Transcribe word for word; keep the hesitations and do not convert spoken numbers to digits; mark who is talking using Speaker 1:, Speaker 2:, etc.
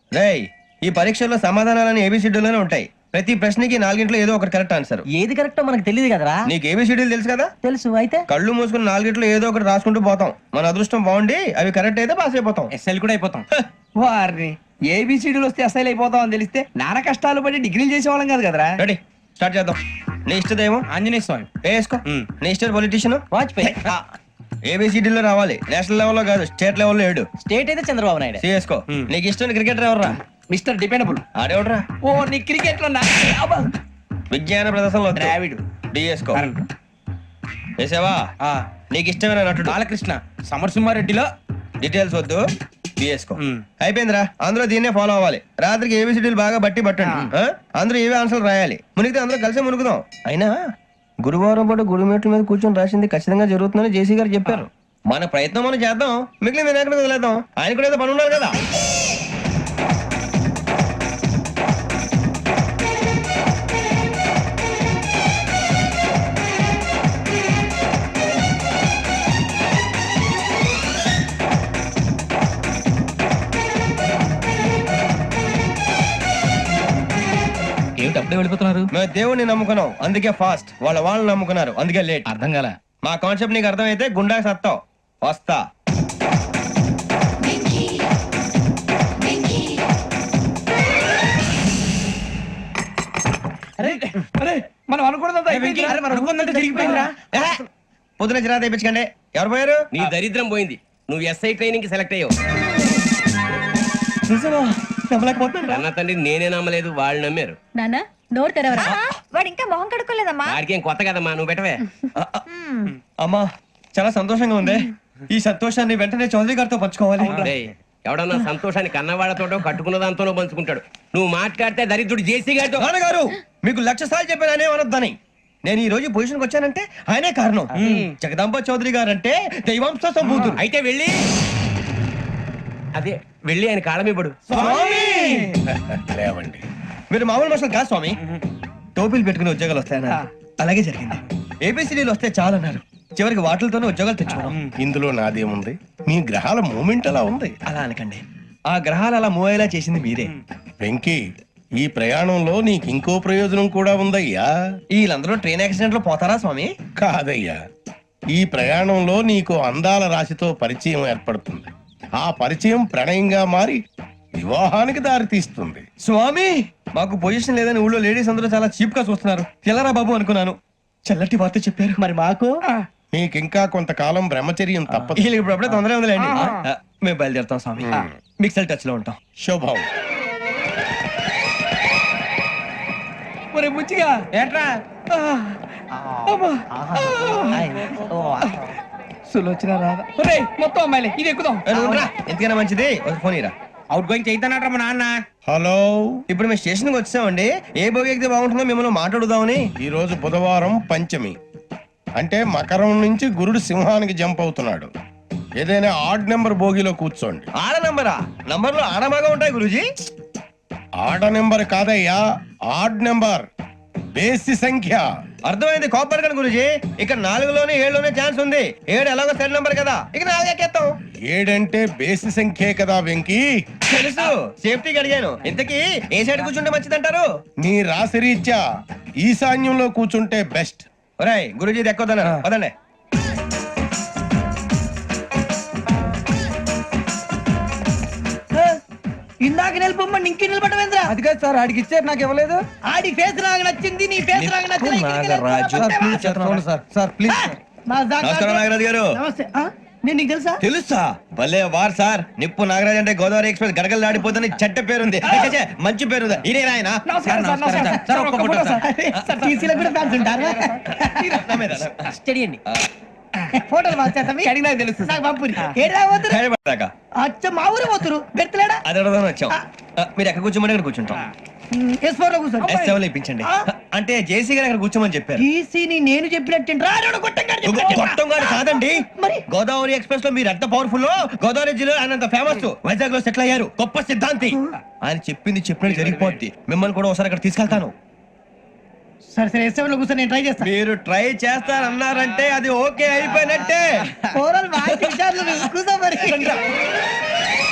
Speaker 1: రేయ్, ఈ పరీక్షల్లో సమాధానాలని ఏబిసిడ్యూల్లోనే ఉంటాయి. ప్రతి ప్రశ్నకి నాలుగింట్లో ఏదో ఒకటి కరెక్ట్ ఆన్సర్.
Speaker 2: ఏది కరెక్టో మనకు తెలియదు కదరా.
Speaker 1: నీకు ఏబిసిడ్యూల్ తెలుసు కదా?
Speaker 2: తెలుసు. అయితే
Speaker 1: కళ్ళు మూసుకుని నాలుగింట్లో ఏదో ఒకటి రాసుకుంటూ పోతాం. మన అదృష్టం బాగుండి అవి కరెక్ట్ అయితే పాస్ అయిపోతాం.
Speaker 3: ఎస్ఎల్ కూడా అయిపోతాం. వారిని ఏబిసిడీలు వస్తే ఎస్ఐలు అయిపోతాం అని తెలిస్తే నాన్న కష్టాలు పడి డిగ్రీలు చేసేవాళ్ళం కాదు కదరా.
Speaker 1: రెడీ, స్టార్ట్ చేద్దాం. నీ ఇష్టదేమో
Speaker 3: ఆంజనేయ స్వామి.
Speaker 1: వేసుకో. నీ ఇష్ట పొలిటీషియన్
Speaker 2: వాజ్పేయి.
Speaker 1: ఏబిసిడీలో రావాలి, నేషనల్ లెవెల్లో కాదు, స్టేట్ లెవెల్లో ఏడు.
Speaker 2: స్టేట్ అయితే చంద్రబాబు నాయుడు.
Speaker 1: సిఎస్కో. నీకు ఇష్టం క్రికెటర్ ఎవర్రా?
Speaker 3: Mister dependable.
Speaker 1: ఆడేవడరా?
Speaker 3: ఓ నీ క్రికెట్ లో
Speaker 1: విజ్ఞాన ప్రదర్శనలో
Speaker 3: ద్రావిడు.
Speaker 1: డిఎస్కో. వేసావా? నీకు ఇష్టమైన నటుడు?
Speaker 3: బాలకృష్ణ. సమర్సింహారెడ్డిలో
Speaker 1: డీటెయిల్స్ వద్దు, బిఎస్కో. అయిపోయిందిరా, అందరూ దీన్నే ఫాలో అవ్వాలి. రాత్రికి ఏబిసిడీలు బాగా బట్టి పట్టండి. ఆ? అందరూ ఏవే ఆన్సర్లు రాయాలి. మునిగితే అందరూ కలిసి మునుగుదాం. అయినా గురువారం పాటు గురుమేట్ల మీద కూర్చొని రాసింది ఖచ్చితంగా జరుగుతుందని జేసీ గారు చెప్పారు. మన ప్రయత్నం మనం చేద్దాం, మిగిలిన వినాయకుడు వదిలేద్దాం. ఆయన కూడా ఏదో పని ఉండాలి కదా.
Speaker 2: ఏమిటి అప్పుడే వెళ్ళిపోతున్నారు?
Speaker 1: మేము దేవుడిని నమ్ముకున్నాం, అందుకే ఫాస్ట్. వాళ్ళ వాళ్ళు నమ్ముకున్నారు, అందుకే లేట్.
Speaker 2: అర్థం కాల.
Speaker 1: మా కాన్సెప్ట్ నీకు అర్థమైతే గుండా సత్తావు. వస్తా.
Speaker 3: మనం అనుకున్నదంతా జరిగిపోయిందిరా.
Speaker 1: పొద్దున చిరా తెప్పించకండి. ఎవరు పోయారు?
Speaker 4: నీ దరిద్రం పోయింది. నువ్వు ఎస్ఐ ట్రైనింగ్ కి సెలెక్ట్ అయ్యావు. అన్న తండ్రి నేనే నమ్మలేదు, వాళ్ళు నమ్మారు.
Speaker 5: నానా నోరు తెరవరా.
Speaker 6: వాడు ఇంకా మొహం కడుక్కోలేదమ్మా.
Speaker 4: వాడికి ఏం కొత్త కదమ్మా, నువ్వు పెట్టవే.
Speaker 1: అమ్మా, చాలా సంతోషంగా ఉంది. ఈ సంతోషాన్ని వెంటనే చౌదరి గారితో పంచుకోవాలి.
Speaker 4: డేయ్, ఎవడన్నా సంతోషాన్ని కన్నవాళ్లతోటో కట్టుకున్న దాంతోనో పంచుకుంటాడు. నువ్వు మాట్లాడితే దరిద్రుడు జేసీ గారితో.
Speaker 1: నాన్నగారు, మీకు లక్ష సార్లు చెప్పాననే అనొద్దని. నేను ఈ రోజు పొజిషన్కి వచ్చానంటే ఆయనే కారణం. జగదాంబ చౌదరి గారు అంటే దైవాంశ సంభూతుడు.
Speaker 4: అయితే వెళ్ళి అదే వెళ్ళి ఆయన కాళ్ళమివ్వడు.
Speaker 1: లేవండి, మీరు మామూలు మనుషులు కాదు స్వామి. టోపీలు పెట్టుకుని ఉద్యోగాలు వస్తాయన్నారు, అలాగే జరిగింది. ఏబిసిడీలు వస్తే చాలన్నారు, చివరికి వాటిలతోనే ఉద్యోగాలు తెచ్చుకున్నాం.
Speaker 7: ఇందులో నాదేముంది? మీ గ్రహాల మూమెంట్ అలా ఉంది.
Speaker 1: అలా అనకండి, ఆ గ్రహాలు అలా మూవ్ అయ్యేలా చేసింది మీరే.
Speaker 7: వెంకీ, ఈ ప్రయాణంలో నీకు ఇంకో ప్రయోజనం కూడా ఉందయ్యా.
Speaker 1: వీళ్ళందరూ ట్రైన్ యాక్సిడెంట్ లో పోతారా స్వామి?
Speaker 7: కాదయ్యా, ఈ ప్రయాణంలో నీకు అందాల రాశితో పరిచయం ఏర్పడుతుంది. ఆ పరిచయం ప్రణయంగా మారి వివాహానికి దారి తీస్తుంది.
Speaker 1: స్వామి, మాకు పొజిషన్ లేదని ఊళ్ళో లేడీస్ అందరూ చాలా చీప్ గా చూస్తున్నారు. తెల్లరా బాబు అనుకున్నాను, చల్లటి వార్త చెప్పారు.
Speaker 2: మరి మాకు
Speaker 7: నీకింకా కొంతకాలం బ్రహ్మచర్యం తప్పదు.
Speaker 1: వీళ్ళకి ఇప్పుడు అప్పుడే తొందరగా ఉందిలేండి. ఆ, మేము బయలుదేరుతాం స్వామి. మిక్సెల్ టచ్ లో ఉంటాం.
Speaker 7: శుభం.
Speaker 3: మరి బుచ్చిగా ఏట్రా సులోచన రాదా? ఒరేయ్, మొత్తం అమ్మాయిలే, ఇది ఎక్కుదాం.
Speaker 1: ఏ, నువ్వు రా. ఎందుకైనా మంచిది ఒక ఫోన్ ఇరా.
Speaker 3: అవుట్ గోయింగ్ చేద్దానట్రా మా నాన్న.
Speaker 7: హలో,
Speaker 1: ఇప్పుడు మేము స్టేషన్కి వచ్చామండి. ఏ బోగి ఎక్కితే బాగుంటుందో మిమ్మల్ని మాట్లాడుదామని.
Speaker 7: ఈ రోజు బుధవారం పంచమి, అంటే మకరం నుంచి గురుడు సింహానికి జంప్ అవుతున్నాడు. ఏదైనా ఆడ్ నెంబర్ బోగిలో కూర్చోండి.
Speaker 1: ఆడ నంబరా? నంబర్లు ఆడమాగా ఉంటాయి గురూజీ.
Speaker 7: ఆడ నెంబర్ కాదయ్యా, ఆడ్ నెంబర్, బేసి సంఖ్య.
Speaker 1: అర్థమైంది, కోపడకండి గురూజీ. ఇక్కడ నాలుగులోనే ఏడులోనే ఛాన్స్ ఉంది. ఏడు ఎలాగో సెడ్ నంబర్ కదా, ఇక నాలుగు ఎక్కేస్తాం.
Speaker 7: ఏడంటే బేసి సంఖ్యే కదా వెంకీ.
Speaker 1: తెలుసు, సేఫ్టీకి అడిగాను. ఇంతకీ ఏ సైడ్ కూర్చుంటే మంచిదంటారు?
Speaker 7: నీ రాశి రీత్యా ఈశాన్యంలో కూర్చుంటే బెస్ట్.
Speaker 1: ఒరాయ్, గురూజీ దెక్కొద్దన్నారు, పదండి.
Speaker 2: ఇందాక నిలబొమ్మని ఇంకే నిలబడమేంద్రా?
Speaker 3: అది కాదు సార్, ఆడికి ఇచ్చారు, నాకు ఇవ్వలేదు.
Speaker 2: ఆడి ఫేస్ నాకు నచ్చింది, నీ ఫేస్ నాకు నచ్చింది.
Speaker 3: Sir please.
Speaker 1: నమస్కారం నాగరాజు గారు.
Speaker 2: నమస్తే. ఆ? నేను నీకు తెలుసా?
Speaker 1: తెలుసా? భలే వార్ సార్. నిప్పు నాగరాజ్ అంటే గోదావరి ఎక్స్ప్రెస్ గడగలు దాడిపోతుంది చెడ్డ పేరుంది. ఛే, మంచి పేరు. ఇదే ఆయన.
Speaker 3: నమస్కారం సార్, నమస్కారం సార్. ఒక్క ఫోటో సార్.
Speaker 2: సార్, టీసీలో కూడా ఫ్యాన్స్ ఉంటారా? స్టడీ అండి. ఫోటోలు మార్చేస్తాం.
Speaker 3: అడిగి నాకు తెలుసు.
Speaker 2: నాకు పంపురి. ఏడా పోతురు?
Speaker 1: హైదరాబాద్
Speaker 2: అచ్చ మా ఊరు పోతురు. పెడతలేడా?
Speaker 1: అది అడగదామని వచ్చాం. ఆ, మీరు ఎక్కడ కూర్చోమని అక్కడ కూర్చుంటాం.
Speaker 2: ఎస్ ఫోర్ లో కూర్చోండి.
Speaker 1: ఎస్ సెవెన్ లో ఇప్పించండి. అంటే జేసీ గారు అక్కడ కూర్చోమని చెప్పారు.
Speaker 2: టీసీని నేను చెప్పినట్టు
Speaker 1: గొప్పం గారు కాదండి,
Speaker 2: మరి
Speaker 1: గోదావరి ఎక్స్ప్రెస్ లో మీరు ఎంత పవర్ఫుల్. గోదావరి జిల్లా ఆయన అంత ఫేమస్. వైజాగ్ లో సెటిల్ అయ్యారు, గొప్ప సిద్ధాంతి. ఆయన చెప్పింది చెప్పినట్టు జరిగిపోద్ది. మిమ్మల్ని కూడా ఒకసారి అక్కడ తీసుకెళ్తాను.
Speaker 2: సరే సరే, ఎస్ సెవెన్ లో కూర్చొని నేను ట్రై చేస్తాను.
Speaker 1: మీరు ట్రై చేస్తారన్నారంటే అది ఓకే అయిపోయినట్టే.
Speaker 2: కూర్చో మరి.